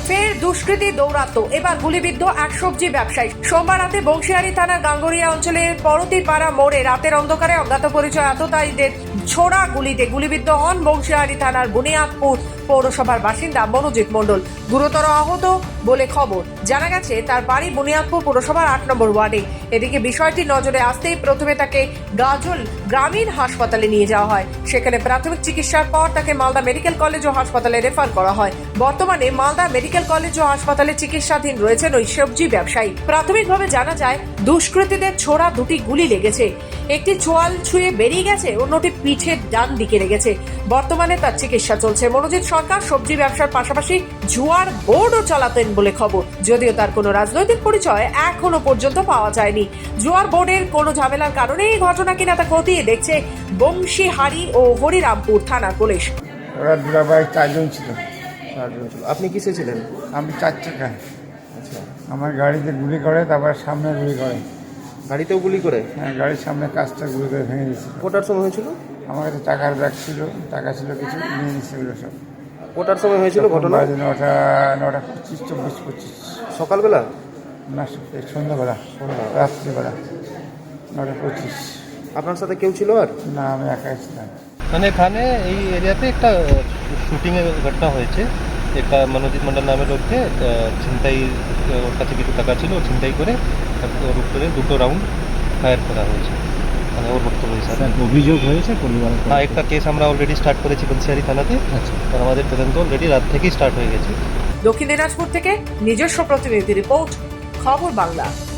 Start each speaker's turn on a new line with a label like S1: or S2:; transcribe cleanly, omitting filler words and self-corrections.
S1: ফের দুষ্কৃতী দৌরাত্ম্য, এবার গুলিবিদ্ধ এক সবজি ব্যবসায়ী। সোমবার রাতে বংশিয়ারি থানার গাঙ্গুরিয়া অঞ্চলের পরতিপাড়া মোড়ে রাতের অন্ধকারে অজ্ঞাত পরিচয় আততায়ীদের ছোড়া গুলিতে গুলিবিদ্ধ হন বংশিয়ারি থানার বুনিয়াদপুর পৌরসভার বাসিন্দা মনোজিৎ মণ্ডল। গুরুতর আহত বলে খবর। জানা গেছে তার বাড়ি বুনিয়াদপুর পৌরসভার 8 নম্বর ওয়ার্ডে। এদিকে বিষয়টি নজরে আসতেই প্রথমে তাকে গাজল গ্রামীণ হাসপাতালে নিয়ে যাওয়া হয়। সেখানে প্রাথমিক চিকিৎসার পর তাকে মালদা মেডিকেল কলেজ ও হাসপাতালে রেফার করা হয়। বর্তমানে মালদা মেডিকেল কলেজ ও হাসপাতালে চিকিৎসাধীন রয়েছেন ওই সবজি ব্যবসায়ী। প্রাথমিকভাবে জানা যায় দুষ্কৃতীদের ছোড়া দুটি গুলি লেগেছে। একটি চোয়াল ছুঁয়ে বেরিয়ে গেছে, অন্যটি পিঠের ডান দিকে লেগেছে। বর্তমানে তার চিকিৎসা চলছে। মনোজিৎ সরকার সবজি ব্যবসার পাশাপাশি জুয়ার বোর্ডও চালাতেন বলে খবর, যদিও তার কোনো রাজনৈতিক পরিচয় এখনো পর্যন্ত পাওয়া যায়নি। জুয়ার বোর্ডের কোনো ঝামেলার কারণে এই ঘটনা কিনা তা খতিয়ে দেখছে বংশীহারি ও হরিরামপুর থানার পুলিশ।
S2: ওরা দুরাবাই চারজন ছিল।
S3: আপনি কিসে ছিলেন?
S2: আমি 4 চাকায়।
S3: আচ্ছা,
S2: আমার গাড়িতে গুলি করে, তারপর সামনে গুলি করে।
S3: গাড়িতেও গুলি করে?
S2: হ্যাঁ, গাড়ির সামনে কাজটা গুলি করে ভেঙে দিয়েছিল।
S3: কোটার সময় হয়েছিল?
S2: আমার কাছে টাকার ব্যাগ ছিল, টাকা ছিল কিছু, নিয়ে নিচ্ছে ওগুলো সব।
S3: কোটার সময় হয়েছিল ঘটনা?
S2: 9:25, 24-25
S3: সকালবেলা
S2: না, সন্ধ্যাবেলা, রাত্রিবেলা 9:25।
S3: আপনার সাথে কেউ ছিল আর?
S2: না, আমি একাই ছিলাম।
S4: মানে এখানে এই এরিয়াতে একটা শুটিংয়ের ঘটনা হয়েছে। একটা মনোজিৎ মন্ডল নামের লোককে ছিনতাই, ওর কাছে কিছু টাকা ছিল, ছিনতাই করে ওর উপরে 2টো রাউন্ড ফায়ার করা হয়েছে। মানে ওর বক্তব্য হিসাবে
S5: অভিযোগ হয়েছে পরিবারের?
S4: হ্যাঁ, একটা কেস আমরা অলরেডি স্টার্ট করেছি বংশিয়ারি থানাতে।
S5: আচ্ছা,
S4: আর আমাদের তদন্ত অলরেডি রাত থেকেই স্টার্ট হয়ে গেছে।
S1: দক্ষিণ দিনাজপুর থেকে নিজস্ব প্রতিনিধি রিপোর্ট, খবর বাংলা।